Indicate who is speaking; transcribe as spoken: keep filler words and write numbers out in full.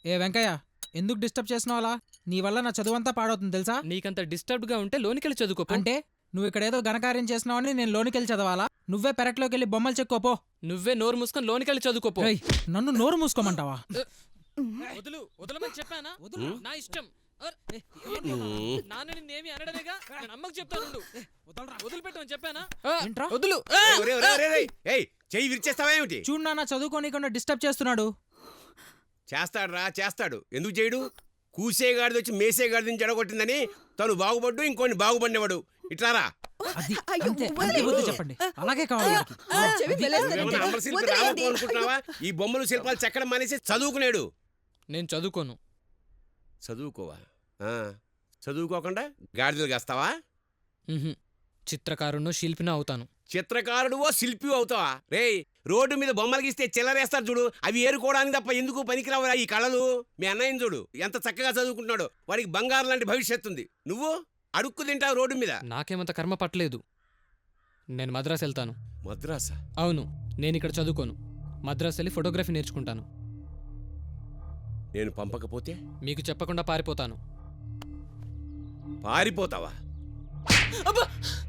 Speaker 1: ఏ వెంకయ్య, ఎందుకు డిస్టర్బ్ చేసినావు అలా? నీ వల్ల నా చదువంతా పాడవుతుంది తెలుసా?
Speaker 2: నీకంత డిస్టర్బ్డ్ గా ఉంటే లోనికెళ్ళి చదువుకో.
Speaker 1: అంటే నువ్వు ఇక్కడ ఏదో ఘనకార్యం చేసినావని నేను లోనికెళ్ళి చదవాలా? నువ్వే పెరట్లోకి వెళ్ళి బొమ్మలు చెక్కోపో.
Speaker 2: నువ్వే నోరు మూసుకొని లోనికెళ్ళి చదువుకోపో.
Speaker 1: రేయ్, నన్ను నోరు మూసుకోమంటావా?
Speaker 2: వదులు వదలమని చెప్పానా? నా ఇష్టం. నాన్న నిన్నేమి అనడమేగా, నేను అమ్మకు చెప్తాను. వదిలిపెట్టమని చెప్పానా?
Speaker 1: ఏంట్రా?
Speaker 2: వదులు.
Speaker 3: చెయ్యి విరిచేస్తావేమిటి?
Speaker 1: చూడు నాన్న, చదువుకోనీకుండా డిస్టర్బ్ చేస్తున్నాడు.
Speaker 3: చేస్తాడు రా చేస్తాడు. ఎందుకు చేయడు? కూసేగాడిది వచ్చి మేసేగాడిని జడగొట్టిందని తను బాగుపడ్డు, ఇంకోని బాగుపడినవాడు. ఇట్లారా
Speaker 1: అది అంతే, అంతే బుద్ధి చెప్పండి. అలాగే కావాలి వాడికి.
Speaker 3: ఏమన్నా అమరశిల్పి రామకు అనుకుంటున్నావా? ఈ బొమ్మలు శిల్పాలు చెక్కడం మానేసి చదువుకునేడు.
Speaker 2: నేను చదువుకోను.
Speaker 3: చదువుకోవా? ఆ, చదువుకోకుండా గాడిదలు కాస్తావా?
Speaker 2: చిత్రకారుణ్ణో శిల్పినో అవుతాను.
Speaker 3: చిత్రకారుడువో శిల్పి అవుతావా? రేయ్, రోడ్డు మీద బొమ్మలు గీస్తే చిల్లరేస్తారు చూడు, అవి ఏరుకోవడానికి తప్ప ఎందుకు పనికిరావురా ఈ కళలు? మీ అన్నయ్యని చూడు, ఎంత చక్కగా చదువుకుంటున్నాడు. వాడికి బంగారం లాంటి భవిష్యత్తు ఉంది. నువ్వు అడుక్కు తింటావు రోడ్డు మీద.
Speaker 2: నాకేమంత కర్మ పట్టలేదు. నేను మద్రాసు వెళ్తాను.
Speaker 3: మద్రాసా?
Speaker 2: అవును, నేను ఇక్కడ చదువుకోను. మద్రాసు వెళ్ళి ఫోటోగ్రఫీ నేర్చుకుంటాను.
Speaker 3: నేను పంపకపోతే?
Speaker 2: మీకు చెప్పకుండా పారిపోతాను.
Speaker 3: పారిపోతావా?
Speaker 2: అబ్బా!